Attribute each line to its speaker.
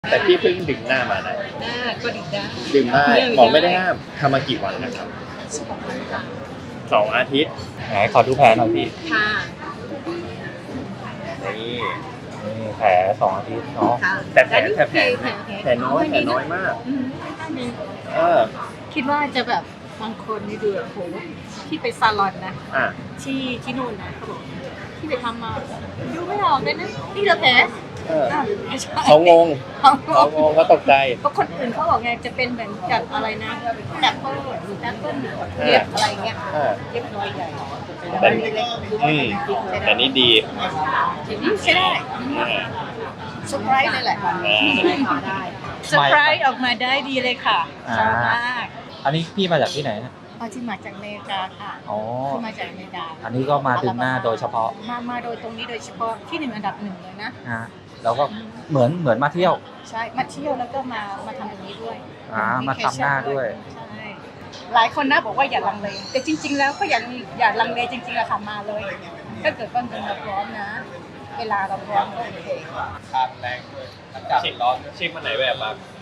Speaker 1: แต่พี่เพิ่งดึงหน้ามานะ
Speaker 2: ก็ดึงได้
Speaker 1: ดึงได้หมอไม่ได้ห้ามทำมากี่วันนะครับ 2 อาทิตย์ไหนขอดูแผลหน่อยพี่
Speaker 2: ค่ะ
Speaker 1: นี่แผล2 อาทิตย์เนาะ
Speaker 2: ค่ะ
Speaker 1: แต่แผลน้อย
Speaker 2: แผลน้อย
Speaker 1: แผลน้อยมาก
Speaker 2: คิดว่าจะแบบบางคนนี่ดูแบบโหที่ไปซาลอนนะ
Speaker 1: อ่ะ
Speaker 2: ที่นู่นนะเขาบอกที่ไปทำมาดูไม่ออกเลยนะนี่เหรอแผลไม่ใช่
Speaker 1: เขางง
Speaker 2: เขา
Speaker 1: เขาตกใจ
Speaker 2: เพราะคนอื่นเขาบอกไงจะเป็นเหมือนกับอะไรนะแอปเปิ้ลหรือแอปเปิ้ลเย็บอะไรเงี้ย
Speaker 1: อ่า
Speaker 2: เย็บน้อยใหญ่
Speaker 1: แต่แต่นี่ดี
Speaker 2: นี่ใช่ได้
Speaker 1: อ่า
Speaker 2: เซอร์ไพรส์เลยแหละ
Speaker 1: อ่า
Speaker 2: เซอร์ไพรส์ออกมาได้ดีเลยค่ะชอบมาก
Speaker 3: อันนี้พี่มาจากที่ไหนนะ
Speaker 2: ที่มาจากอเมริกาค่ะ
Speaker 3: อ๋อ
Speaker 2: ที่มาจากอเมริกา
Speaker 3: อันนี้ก็มาดึงหน้าโดยเฉพาะ
Speaker 2: มาโดยตรงนี้โดยเฉพาะที่1 อันดับ 1เลยนะ
Speaker 3: นะแล้วก็เหมือนมาเที่ยว
Speaker 2: ใช่มาเที่ยวแล้วก็มาทำตรงนี้ด้วย
Speaker 3: มาทำหน้าด้วย
Speaker 2: ใช่หลายคนนะบอกว่าอย่าลังเลแต่จริง ๆ แล้วก็อย่าลังเลจริงๆอะค่ะมาเลยถ้าเกิดว่าเงินเราพร้อมนะ เวลาเราพร้อมก็โอเค
Speaker 1: ทานแรงด้วยอากาศร้อนเช็คมาไหนแบบบ้าง